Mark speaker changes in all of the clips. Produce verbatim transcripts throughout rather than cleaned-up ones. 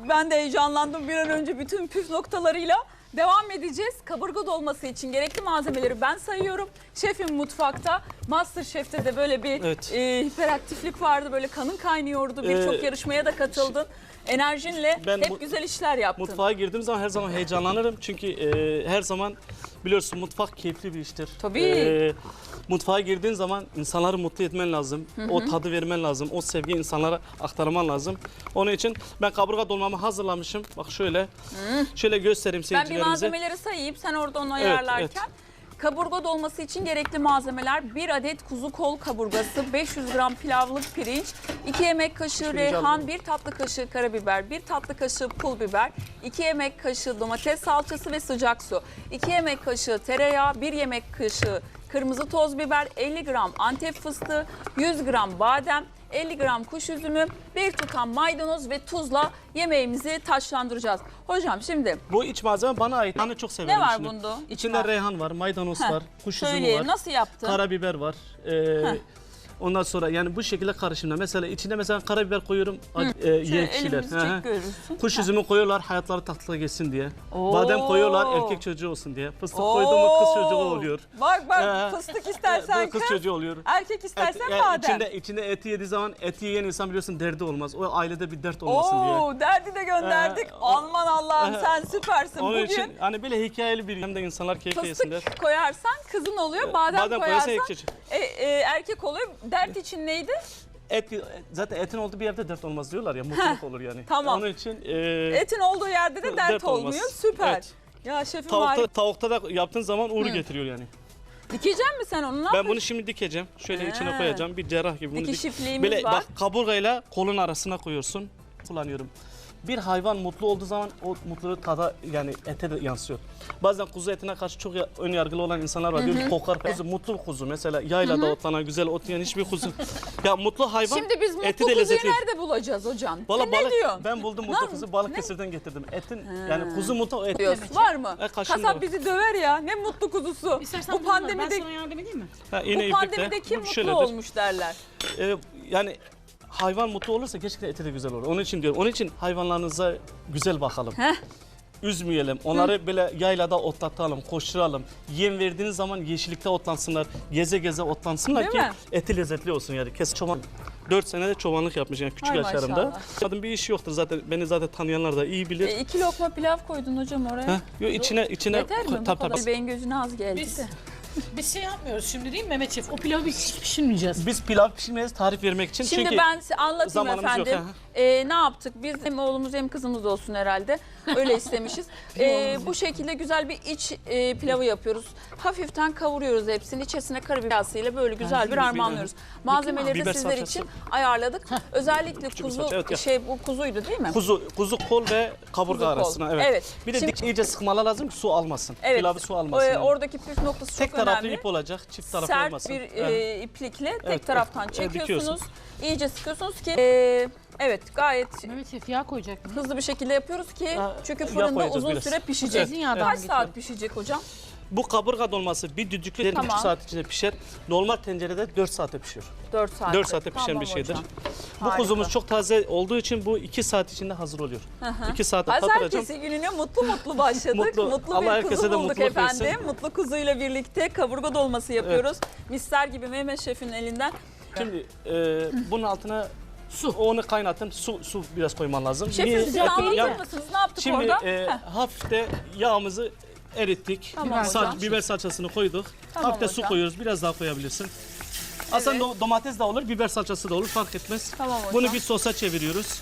Speaker 1: ben de heyecanlandım. Bir an önce bütün püf noktalarıyla devam edeceğiz. Kaburga dolması için gerekli malzemeleri ben sayıyorum. Şefim mutfakta. MasterChef'te de böyle bir
Speaker 2: Evet.
Speaker 1: e, hiperaktiflik vardı. Böyle kanın kaynıyordu. Birçok
Speaker 2: Ee,
Speaker 1: yarışmaya da katıldın. Enerjinle
Speaker 2: Ben
Speaker 1: hep
Speaker 2: mu-
Speaker 1: güzel işler yaptın.
Speaker 2: Mutfağa girdiğim zaman her zaman heyecanlanırım. Çünkü e, her zaman biliyorsun mutfak keyifli bir iştir.
Speaker 1: Tabii.
Speaker 2: E, mutfağa girdiğin zaman insanları mutlu etmen lazım. Hı hı. O tadı vermen lazım. O sevgiyi insanlara aktarman lazım. Onun için ben kaburga dolmamı hazırlamışım. Bak şöyle. Hı. Şöyle göstereyim
Speaker 1: Ben bir
Speaker 2: seyircilerimize.
Speaker 1: malzemeleri sayayım. Sen orada onu
Speaker 2: Evet,
Speaker 1: ayarlarken.
Speaker 2: evet.
Speaker 1: Kaburga dolması için gerekli malzemeler: bir adet kuzu kol kaburgası, beş yüz gram pilavlık pirinç, iki yemek kaşığı reyhan, bir tatlı kaşığı karabiber, bir tatlı kaşığı pul biber, iki yemek kaşığı domates salçası ve sıcak su, iki yemek kaşığı tereyağı, bir yemek kaşığı kırmızı toz biber, elli gram Antep fıstığı, yüz gram badem, elli gram kuş üzümü, bir tutam maydanoz ve tuzla yemeğimizi taçlandıracağız. Hocam şimdi
Speaker 2: Bu iç malzeme bana ait. Ben de çok severim.
Speaker 1: ne var
Speaker 2: içinde.
Speaker 1: bunda?
Speaker 2: İçinde
Speaker 1: İçinde
Speaker 2: reyhan var, maydanoz
Speaker 1: Heh,
Speaker 2: var, kuş üzümü
Speaker 1: Söyleyeyim
Speaker 2: var,
Speaker 1: nasıl yaptın?
Speaker 2: karabiber var. Ee, ondan sonra yani bu şekilde karışımda. Mesela içine mesela karabiber koyuyorum e, yiyen kişiler.
Speaker 1: elimizi
Speaker 2: Hı hı.
Speaker 1: çek görürsün.
Speaker 2: Kuş üzümü koyuyorlar hayatları tatlı geçsin diye.
Speaker 1: Oo.
Speaker 2: Badem koyuyorlar erkek çocuğu olsun diye. Fıstık koydu mu kız çocuğu oluyor.
Speaker 1: Bak bak
Speaker 2: Ee,
Speaker 1: fıstık istersen
Speaker 2: Bu kız
Speaker 1: kız,
Speaker 2: çocuğu oluyor.
Speaker 1: erkek istersen
Speaker 2: Et- yani
Speaker 1: badem.
Speaker 2: içinde, içinde eti yediği zaman eti yiyen insan biliyorsun derdi olmaz. O ailede bir dert olmasın diye.
Speaker 1: Oo, derdi de gönderdik.
Speaker 2: Ee,
Speaker 1: Aman Allah'ım
Speaker 2: Ee,
Speaker 1: sen süpersin.
Speaker 2: Onun
Speaker 1: Bugün
Speaker 2: için hani böyle hikayeli bir hem de insanlar keyifle yesinler.
Speaker 1: fıstık koyarsan kızın oluyor, badem,
Speaker 2: Badem koyarsan
Speaker 1: koyarsan
Speaker 2: erkek.
Speaker 1: e, e, erkek oluyor. Dert için neydi?
Speaker 2: Et, zaten etin olduğu bir yerde dert olmaz diyorlar ya, mutluluk olur yani.
Speaker 1: tamam.
Speaker 2: Onun için e,
Speaker 1: Etin olduğu yerde de dert,
Speaker 2: dert olmaz.
Speaker 1: olmuyor. Süper.
Speaker 2: Evet.
Speaker 1: Ya şefim
Speaker 2: tavukta,
Speaker 1: harika.
Speaker 2: tavukta da yaptığın zaman uğur getiriyor yani.
Speaker 1: Dikecek misin sen onu? Ne
Speaker 2: Ben
Speaker 1: yapıyorsun?
Speaker 2: bunu şimdi dikeceğim. Şöyle
Speaker 1: He.
Speaker 2: içine koyacağım. Bir cerrah gibi. Bunu
Speaker 1: Dikiş
Speaker 2: dik-
Speaker 1: ipliğimiz
Speaker 2: Böyle
Speaker 1: var.
Speaker 2: bak kaburgayla kolun arasına koyuyorsun. Kullanıyorum. Bir hayvan mutlu olduğu zaman o mutluluğu tada yani ete de yansıyor. Bazen kuzu etine karşı çok ya- ön yargılı olan insanlar var. Diyor ki kokar kuzu, mutlu kuzu mesela yaylada otlanan güzel ot yiyen hiçbir kuzu. Ya mutlu hayvan
Speaker 1: Şimdi biz
Speaker 2: eti
Speaker 1: mutlu
Speaker 2: de
Speaker 1: kuzuyu
Speaker 2: lezzetli.
Speaker 1: nerede bulacağız hocam?
Speaker 2: Valla
Speaker 1: Sen
Speaker 2: balık,
Speaker 1: ne diyorsun?
Speaker 2: ben buldum mutlu kuzu Balıkesir'den getirdim. Etin yani kuzu mutlu et.
Speaker 1: Diyorsun. Var mı?
Speaker 2: E, kaşığında
Speaker 1: Kasap
Speaker 2: var.
Speaker 1: bizi döver ya. Ne mutlu kuzusu.
Speaker 3: İstersen
Speaker 1: Bu
Speaker 3: bunu ver, ben
Speaker 1: pandemide
Speaker 3: sana yardım edeyim mi?
Speaker 2: Ha,
Speaker 1: bu
Speaker 2: iğne
Speaker 1: pandemide
Speaker 2: iplikle.
Speaker 1: kim
Speaker 2: Bu
Speaker 1: mutlu
Speaker 2: şöyledir.
Speaker 1: olmuş derler.
Speaker 2: Ee, yani hayvan mutlu olursa gerçekten eti de güzel olur. Onun için diyorum. Onun için hayvanlarınıza güzel bakalım.
Speaker 1: Heh.
Speaker 2: Üzmeyelim. Onları böyle yaylada otlatalım, koşturalım. Yem verdiğiniz zaman yeşillikte otlansınlar, geze geze otlansınlar
Speaker 1: Değil
Speaker 2: ki
Speaker 1: mi?
Speaker 2: eti lezzetli olsun yani. Kes çoban. dört senede çobanlık yapmış yani küçük
Speaker 1: Ay
Speaker 2: yaşlarımda.
Speaker 1: maşallah.
Speaker 2: Kadın bir işi yoktur zaten. Beni zaten tanıyanlar da iyi bilir.
Speaker 1: E, iki lokma pilav koydun hocam oraya.
Speaker 2: Heh, yo, içine içine
Speaker 1: Yeter mi? Bu
Speaker 2: tabii
Speaker 1: kadar.
Speaker 2: tabii.
Speaker 1: Beyin gözüne az geldi
Speaker 3: Biz,
Speaker 1: de.
Speaker 3: biz şey yapmıyoruz şimdi değil mi Mehmet Şef? O pilavı biz hiç pişirmeyeceğiz.
Speaker 2: Biz pilav pişirmeyiz tarif vermek için.
Speaker 1: Şimdi
Speaker 2: Çünkü
Speaker 1: ben size anlatayım
Speaker 2: zamanımız yok,
Speaker 1: efendim.
Speaker 2: ha.
Speaker 1: Ee, ne yaptık? Biz hem oğlumuz hem kızımız olsun herhalde. Öyle istemişiz. Ee, bu şekilde güzel bir iç e, pilavı yapıyoruz. Hafiften kavuruyoruz hepsini. İçerisine karabiber ile böyle güzel bir harmanlıyoruz. Malzemeleri de
Speaker 2: Biber
Speaker 1: sizler
Speaker 2: salçası.
Speaker 1: için ayarladık. Özellikle
Speaker 2: Küçük bir
Speaker 1: kuzu
Speaker 2: salça, evet ya.
Speaker 1: şey bu kuzuydu değil mi?
Speaker 2: Kuzu, kuzu kol ve kaburga
Speaker 1: Kuzu kol.
Speaker 2: arasına. Evet.
Speaker 1: Evet.
Speaker 2: Bir de
Speaker 1: Şimdi-
Speaker 2: dik iyice sıkmalar lazım ki su almasın.
Speaker 1: Evet.
Speaker 2: Pilavı su almasın.
Speaker 1: Ee,
Speaker 2: yani.
Speaker 1: Oradaki püf noktası
Speaker 2: Tek
Speaker 1: çok
Speaker 2: taraflı
Speaker 1: önemli.
Speaker 2: ip olacak, çift taraflı
Speaker 1: Sert
Speaker 2: olmasın.
Speaker 1: bir
Speaker 2: Evet.
Speaker 1: e, iplikle tek
Speaker 2: Evet,
Speaker 1: taraftan
Speaker 2: evet,
Speaker 1: çekiyorsunuz. İyice sıkıyorsunuz ki e, evet gayet
Speaker 3: Mehmet Şef yağ koyacak mı?
Speaker 1: hızlı bir şekilde yapıyoruz ki
Speaker 2: Ha,
Speaker 1: çünkü
Speaker 2: yağ
Speaker 1: fırında
Speaker 2: koyacağız
Speaker 1: uzun
Speaker 2: biraz.
Speaker 1: süre pişecek.
Speaker 3: Evet, zeytinyağından
Speaker 1: Kaç
Speaker 3: geçiyor.
Speaker 1: saat pişecek hocam?
Speaker 2: Bu kaburga dolması bir düdüklü bir
Speaker 1: Tamam.
Speaker 2: buçuk saat içinde pişer. Normal tencerede dört saate pişiyor.
Speaker 1: dört saat.
Speaker 2: dört saate pişen bir şeydir. Bu
Speaker 1: Harika.
Speaker 2: kuzumuz çok taze olduğu için bu iki saat içinde hazır oluyor. iki saate patlatacağım.
Speaker 1: Pazartesi gününe mutlu mutlu başladık.
Speaker 2: Mutlu.
Speaker 1: Mutlu,
Speaker 2: Allah
Speaker 1: bir
Speaker 2: herkese
Speaker 1: kuzu
Speaker 2: de
Speaker 1: bulduk
Speaker 2: mutluluk
Speaker 1: efendim.
Speaker 2: versin.
Speaker 1: Mutlu kuzuyla birlikte kaburga dolması yapıyoruz. Misler gibi Mehmet Şef'in elinden.
Speaker 2: Şimdi e, bunun altına su, onu kaynatın. Su su biraz koyman lazım.
Speaker 1: Şefim
Speaker 2: Niye?
Speaker 1: siz
Speaker 2: Etin-
Speaker 1: anlatır
Speaker 2: yani-
Speaker 1: mısınız? Ne yaptık
Speaker 2: Şimdi
Speaker 1: orada?
Speaker 2: e,
Speaker 1: Heh.
Speaker 2: hafif de yağımızı erittik.
Speaker 1: Tamam
Speaker 2: Sal-
Speaker 1: hocam.
Speaker 2: biber salçasını koyduk.
Speaker 1: Tamam
Speaker 2: hafif de su
Speaker 1: hocam.
Speaker 2: koyuyoruz. Biraz daha koyabilirsin. Aslında do- domates de olur, biber salçası da olur. Fark etmez.
Speaker 1: Tamam hocam.
Speaker 2: Bunu bir sosa çeviriyoruz.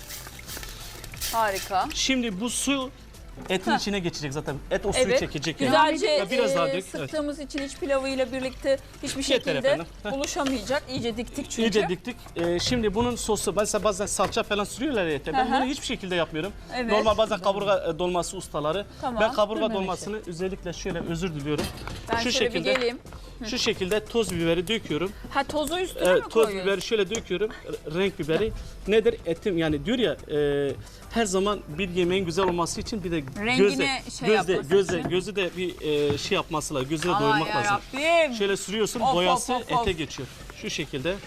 Speaker 1: Harika.
Speaker 2: Şimdi bu su etin içine geçecek zaten. Et o suyu
Speaker 1: Evet.
Speaker 2: çekecek. yani.
Speaker 1: Güzelce
Speaker 2: Ya biraz daha
Speaker 1: e,
Speaker 2: dök, evet.
Speaker 1: sıktığımız için iç pilavıyla birlikte hiçbir
Speaker 2: Yeter
Speaker 1: şekilde
Speaker 2: efendim. Heh.
Speaker 1: buluşamayacak. İyice diktik çünkü.
Speaker 2: İyice diktik. Ee, şimdi bunun sosu, mesela bazen salça falan sürüyorlar ya ete. Ben
Speaker 1: Hı hı.
Speaker 2: bunu hiçbir şekilde yapmıyorum.
Speaker 1: Evet.
Speaker 2: Normal bazen kaburga e, dolması ustaları.
Speaker 1: Tamam.
Speaker 2: Ben kaburga
Speaker 3: Değil mi
Speaker 2: dolmasını özellikle şöyle özür diliyorum.
Speaker 1: Ben
Speaker 2: şu
Speaker 1: şöyle bir
Speaker 2: şekilde
Speaker 1: geleyim.
Speaker 2: şu şekilde toz biberi döküyorum.
Speaker 1: Ha tozu üstüne
Speaker 2: Evet,
Speaker 1: mi
Speaker 2: toz
Speaker 1: koyuyorsun?
Speaker 2: biberi şöyle döküyorum. R- Renk biberi. Nedir? Etim yani diyor ya e, her zaman bir yemeğin güzel olması için bir de
Speaker 1: Rengine
Speaker 2: gözle,
Speaker 1: şey
Speaker 2: gözle,
Speaker 1: yapması
Speaker 2: gözle,
Speaker 1: için.
Speaker 2: gözü de bir e, şey yapması lazım. Gözü de
Speaker 1: Aman
Speaker 2: doyurmak lazım.
Speaker 1: yarabbim.
Speaker 2: Şöyle sürüyorsun,
Speaker 1: Of,
Speaker 2: boyası
Speaker 1: of, of, of.
Speaker 2: ete geçiyor. Şu şekilde.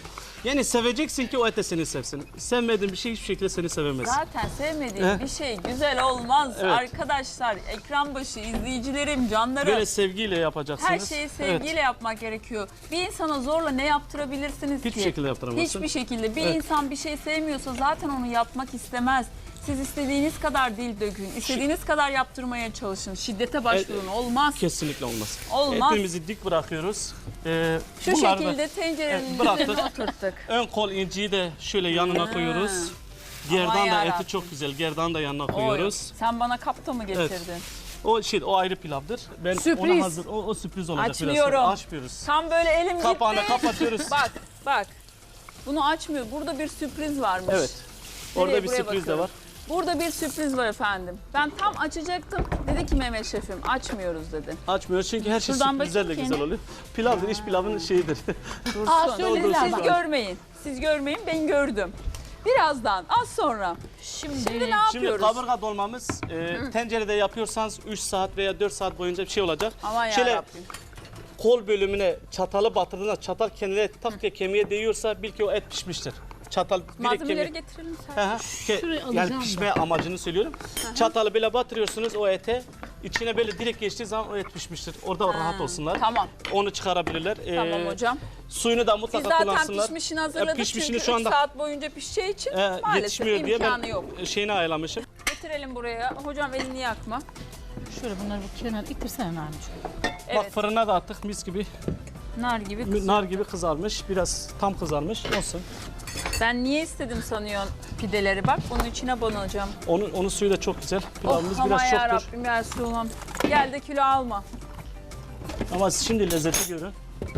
Speaker 2: Yani seveceksin ki o et de seni sevsin. Sevmediğin bir şey hiçbir şekilde seni sevemez.
Speaker 1: Zaten sevmediğim
Speaker 2: Eh.
Speaker 1: bir şey güzel olmaz.
Speaker 2: Evet.
Speaker 1: Arkadaşlar, ekran başı izleyicilerim, canlarım.
Speaker 2: Böyle sevgiyle yapacaksınız.
Speaker 1: Her şeyi sevgiyle
Speaker 2: Evet.
Speaker 1: yapmak gerekiyor. Bir insana zorla ne yaptırabilirsiniz ki?
Speaker 2: Hiçbir şekilde yaptıramazsın.
Speaker 1: Hiçbir şekilde. Bir
Speaker 2: Evet.
Speaker 1: insan bir şey sevmiyorsa zaten onu yapmak istemez. Siz istediğiniz kadar dil dökün, istediğiniz kadar yaptırmaya çalışın. Şiddete başvurun. Olmaz.
Speaker 2: Kesinlikle olmaz.
Speaker 1: Olmaz.
Speaker 2: Etimizi dik bırakıyoruz. Ee,
Speaker 1: Şu
Speaker 2: bunları da
Speaker 1: şekilde tencerenin
Speaker 2: Evet, bıraktık.
Speaker 1: üzerine oturttuk.
Speaker 2: ön kol inciyi de şöyle yanına
Speaker 1: Ha.
Speaker 2: koyuyoruz.
Speaker 1: Aman
Speaker 2: Gerdan da
Speaker 1: yarabbim.
Speaker 2: eti çok güzel. Gerdan da yanına
Speaker 1: Oy,
Speaker 2: koyuyoruz.
Speaker 1: sen bana kapta mı getirdin?
Speaker 2: O şey o ayrı pilavdır. Ben
Speaker 3: Sürpriz.
Speaker 2: ona hazır o, o sürpriz olacak biraz
Speaker 1: Açmıyorum.
Speaker 2: sonra. Açmıyoruz.
Speaker 1: Tam böyle elim
Speaker 2: Kapağını
Speaker 1: gitti.
Speaker 2: kapatıyoruz.
Speaker 1: Bak, bak. Bunu açmıyor. Burada bir sürpriz varmış.
Speaker 2: Evet. Orada
Speaker 1: Nereye?
Speaker 2: bir
Speaker 1: Buraya
Speaker 2: sürpriz de
Speaker 1: bakıyorum.
Speaker 2: var.
Speaker 1: Burada bir sürpriz var efendim. Ben tam açacaktım. Dedi ki Mehmet Şefim açmıyoruz dedi.
Speaker 2: Açmıyoruz çünkü her şey
Speaker 1: Şuradan
Speaker 2: sürprizlerle
Speaker 1: bakayım
Speaker 2: güzel
Speaker 1: kendi.
Speaker 2: oluyor. Pilavdır, iç pilavın şeyidir.
Speaker 3: Aa
Speaker 1: Siz
Speaker 3: söylediler.
Speaker 1: görmeyin. Siz görmeyin, ben gördüm. Birazdan, az sonra.
Speaker 3: Şimdi,
Speaker 1: Şimdi ne
Speaker 2: Şimdi
Speaker 1: yapıyoruz?
Speaker 2: kaburga dolmamız e, tencerede yapıyorsanız üç saat veya dört saat boyunca bir şey olacak.
Speaker 1: Aman
Speaker 2: Şöyle
Speaker 1: yarabbim.
Speaker 2: kol bölümüne çatalı batırdığında çatal kendine tak diye kemiğe değiyorsa bil ki o et pişmiştir. Çatal direkt
Speaker 1: Malzemeleri
Speaker 2: kemiğe...
Speaker 1: getirelim sen.
Speaker 2: Hı hı. Ke-
Speaker 3: Şurayı
Speaker 2: yani
Speaker 3: alacağım
Speaker 2: pişme amacını söylüyorum. Çatalı böyle batırıyorsunuz o ete. İçine böyle direkt geçtiği zaman o et pişmiştir. Orada rahat olsunlar.
Speaker 1: Tamam,
Speaker 2: Onu çıkarabilirler. Ee,
Speaker 1: tamam hocam.
Speaker 2: Suyunu da
Speaker 1: Biz
Speaker 2: mutlaka
Speaker 1: zaten
Speaker 2: kullansınlar.
Speaker 1: pişmişini hazırladık
Speaker 2: E, pişmişini
Speaker 1: çünkü
Speaker 2: şu
Speaker 1: üç
Speaker 2: anda-
Speaker 1: saat boyunca pişeceği için
Speaker 2: Ee,
Speaker 1: maalesef
Speaker 2: yetişmiyor diye
Speaker 1: imkanı
Speaker 2: ben
Speaker 1: yok.
Speaker 2: şeyini ayarlamışım.
Speaker 1: Getirelim buraya. Hocam elini yakma.
Speaker 3: şöyle bunları bir kenara ittirsene Nermin.
Speaker 1: Evet,
Speaker 2: Bak fırına da attık mis gibi.
Speaker 1: nar gibi kız.
Speaker 2: Nar gibi kızarmış. Biraz tam kızarmış. Olsun.
Speaker 1: Ben niye istedim sanıyorsun pideleri? Bak bunun içine banacağım.
Speaker 2: Onun, onun suyu da çok güzel.
Speaker 1: Oh
Speaker 2: Pilavımız
Speaker 1: aman
Speaker 2: biraz çoktur.
Speaker 1: yarabbim ya Resulallah. Gel de kilo alma.
Speaker 2: Ama şimdi lezzeti görün.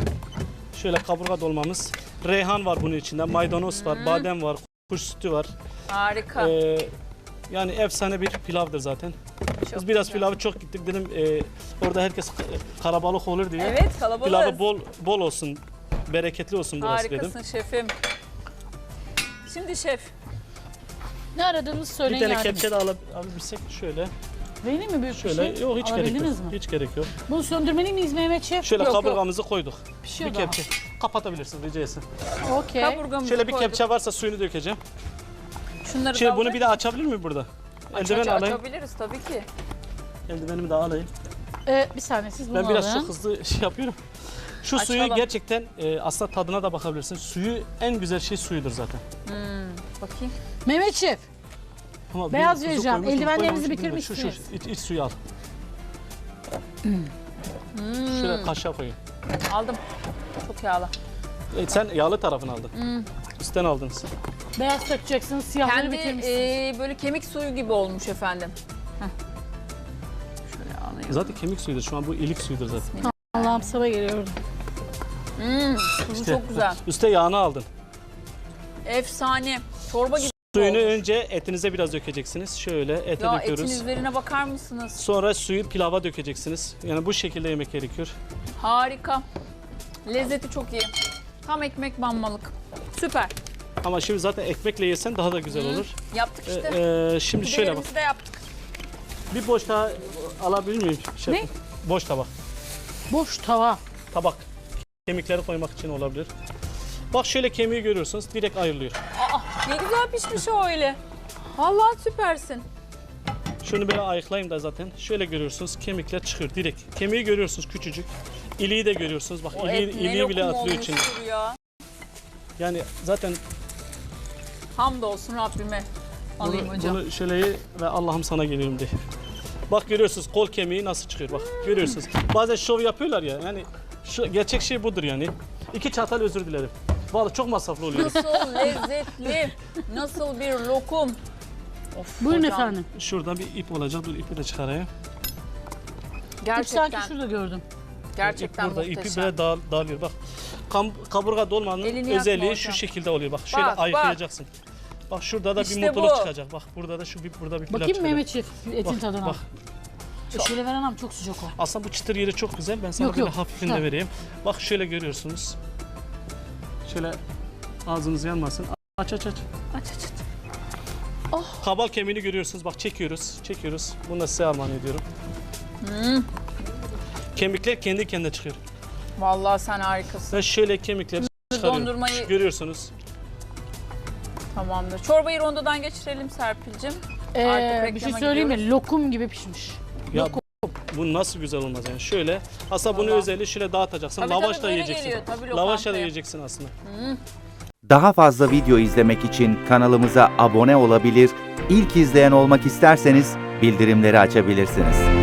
Speaker 2: Şöyle kaburga dolmamız. Reyhan var bunun içinde. Maydanoz var, badem var, kuş sütü var.
Speaker 1: Harika.
Speaker 2: Ee, yani efsane bir pilavdır zaten.
Speaker 1: Çok
Speaker 2: Biz biraz
Speaker 1: güzel.
Speaker 2: pilavı çok gittik dedim. e, orada herkes karabalık olur diye.
Speaker 1: Evet kalabalık.
Speaker 2: Pilavı bol bol olsun, bereketli olsun burası
Speaker 1: Harikasın
Speaker 2: dedim.
Speaker 1: şefim. Şimdi şef.
Speaker 3: Ne aradığınızı
Speaker 2: Bir
Speaker 3: söyleyin
Speaker 2: tane
Speaker 3: yardım.
Speaker 2: kepçe de alab- alabilsek şöyle.
Speaker 3: Vereyim mi büyük bir
Speaker 2: Şöyle
Speaker 3: şey?
Speaker 2: yok hiç gerek yok.
Speaker 3: Alabildiniz mi?
Speaker 2: Hiç gerek yok.
Speaker 3: Bunu söndürmeli miyiz Mehmet Şef?
Speaker 2: Şöyle
Speaker 1: Yok, yok.
Speaker 2: kaburgamızı koyduk.
Speaker 3: Pişiyor
Speaker 2: Bir
Speaker 3: daha.
Speaker 2: kepçe. Kapatabilirsin rica etsin.
Speaker 3: Okey.
Speaker 1: Kaburgamızı
Speaker 2: Şöyle bir
Speaker 1: koyduk.
Speaker 2: kepçe varsa suyunu dökeceğim.
Speaker 1: Şunları
Speaker 2: Şimdi
Speaker 1: da
Speaker 2: bunu bir de açabilir miyim burada?
Speaker 1: aç,
Speaker 2: Eldiven
Speaker 1: aç,
Speaker 2: alayım.
Speaker 1: açabiliriz tabii ki.
Speaker 2: Eldivenimi de alayım.
Speaker 3: Ee, bir saniye siz bunu
Speaker 2: Ben biraz
Speaker 3: alın.
Speaker 2: çok hızlı şey yapıyorum. Şu suyu
Speaker 1: Açalım.
Speaker 2: gerçekten e, aslında tadına da bakabilirsin. Suyu en güzel şey suyudur zaten.
Speaker 1: Bakayım.
Speaker 3: Mehmet Şef.
Speaker 2: Ama
Speaker 3: Beyaz
Speaker 2: bir tuzu
Speaker 3: vereceğim.
Speaker 2: koymuşum,
Speaker 3: Eldivenlerinizi
Speaker 2: koymamışım, bilmiyorum. Şu, şu,
Speaker 3: bitirmişsiniz.
Speaker 2: iç, iç suyu al. Şöyle kaşığa koyun.
Speaker 1: Aldım. Çok yağlı.
Speaker 2: E, sen yağlı tarafını aldın. Üstten aldınız.
Speaker 3: Beyaz takacaksınız, siyahları
Speaker 1: Kendi
Speaker 3: bitirmişsiniz.
Speaker 1: e, böyle kemik suyu gibi olmuş efendim. Heh. Şöyle alayım.
Speaker 2: Zaten kemik suyudur. Şu an bu ilik suyudur zaten.
Speaker 3: Allah'ım sabah geliyordu.
Speaker 1: Hmm, tuzu
Speaker 2: İşte,
Speaker 1: çok güzel.
Speaker 2: Üste yağını aldın.
Speaker 1: Efsane. Çorba gibi
Speaker 2: Suyunu
Speaker 1: olmuş.
Speaker 2: önce etinize biraz dökeceksiniz. Şöyle ete
Speaker 1: Ya
Speaker 2: döküyoruz.
Speaker 1: etin üzerine bakar mısınız?
Speaker 2: Sonra suyu pilava dökeceksiniz. Yani bu şekilde yemek gerekiyor.
Speaker 1: Harika. Lezzeti çok iyi. Tam ekmek banmalık. Süper.
Speaker 2: Ama şimdi zaten ekmekle yesen daha da güzel olur.
Speaker 1: Yaptık
Speaker 2: Ee,
Speaker 1: işte.
Speaker 2: e, şimdi şöyle bak.
Speaker 1: Pidelerimizi de yaptık.
Speaker 2: Bir boş daha alabilir miyim? Şef?
Speaker 3: Ne?
Speaker 2: Boş tabak.
Speaker 3: Boş tava.
Speaker 2: Tabak. Kemikleri koymak için olabilir. Bak şöyle kemiği görüyorsunuz. Direkt ayrılıyor.
Speaker 1: Aa, ne güzel pişmiş o öyle. Vallahi süpersin.
Speaker 2: Şunu böyle ayıklayayım da zaten. Şöyle görüyorsunuz kemikler çıkıyor direkt. Kemiği görüyorsunuz küçücük. İliği de görüyorsunuz. Bak
Speaker 1: O
Speaker 2: iliği,
Speaker 1: et ne
Speaker 2: iliği bile
Speaker 1: lokum
Speaker 2: atılıyor içine.
Speaker 1: olmuştur ya.
Speaker 2: Yani zaten
Speaker 1: Hamdolsun Rabbime. Alayım
Speaker 2: bunu,
Speaker 1: hocam.
Speaker 2: bunu şöyle ye ve Allah'ım sana geliyorum diye. Bak görüyorsunuz kol kemiği nasıl çıkıyor bak. Görüyorsunuz. Bazen şov yapıyorlar ya. Yani şu gerçek şey budur yani. İki çatal özür dilerim. Vallahi çok masraflı oluyor.
Speaker 1: Nasıl lezzetli, nasıl bir lokum. Of,
Speaker 3: Buyurun
Speaker 1: hocam.
Speaker 3: efendim.
Speaker 2: Şuradan bir ip olacak. Dur ipi de çıkarayım.
Speaker 3: İp
Speaker 1: Gerçekten,
Speaker 3: sanki şurada gördüm.
Speaker 1: gerçekten
Speaker 2: İp burada ipi
Speaker 1: muhteşem.
Speaker 2: böyle dağ, dağılıyor bak. Kam, kaburga dolmanın
Speaker 1: Elini yakma
Speaker 2: özelliği
Speaker 1: hocam.
Speaker 2: şu şekilde oluyor bak. Şöyle
Speaker 1: Bak, bak.
Speaker 2: ayıklayacaksın. Bak şurada da
Speaker 1: İşte
Speaker 2: bir mutluluk
Speaker 1: bu.
Speaker 2: çıkacak. Bak burada da şu bir burada bir pilav
Speaker 3: Bakayım
Speaker 2: çıkacak.
Speaker 3: Mehmet Şef etin
Speaker 2: Bak,
Speaker 3: tadına.
Speaker 2: bak.
Speaker 3: E, şöyle veren ama çok sıcak o.
Speaker 2: Aslında bu çıtır yeri çok güzel. Ben sana
Speaker 3: Yok,
Speaker 2: böyle
Speaker 3: yok.
Speaker 2: hafifini de
Speaker 3: Ha.
Speaker 2: vereyim. Bak şöyle görüyorsunuz. Şöyle ağzınız yanmasın. Aç aç aç.
Speaker 1: Aç aç aç.
Speaker 2: Kabal kemiğini görüyorsunuz. Bak çekiyoruz. Çekiyoruz. Bunu da size armağan ediyorum.
Speaker 1: Hmm.
Speaker 2: Kemikler kendi kendine çıkıyor.
Speaker 1: Vallahi sen harikasın.
Speaker 2: Ben şöyle kemikleri çıkarıyor.
Speaker 1: dondurmayı-
Speaker 2: Görüyorsunuz.
Speaker 1: Tamamdır. Çorbayı rondodan geçirelim Serpil'cim.
Speaker 3: Ee,
Speaker 1: Artık
Speaker 3: bir şey
Speaker 1: reklama
Speaker 3: söyleyeyim mi?
Speaker 1: gidiyoruz.
Speaker 3: Lokum gibi pişmiş.
Speaker 2: Ya bu nasıl güzel olmaz yani. Şöyle aslında bunu
Speaker 1: Vallahi.
Speaker 2: özelliği şöyle dağıtacaksın.
Speaker 1: Tabii,
Speaker 2: Lavaş
Speaker 1: tabii,
Speaker 2: da
Speaker 1: böyle
Speaker 2: yiyeceksin.
Speaker 1: geliyor, tabii
Speaker 2: Lavaş da
Speaker 1: lokantaya.
Speaker 2: yiyeceksin aslında.
Speaker 4: Daha fazla video izlemek için kanalımıza abone olabilir, ilk izleyen olmak isterseniz bildirimleri açabilirsiniz.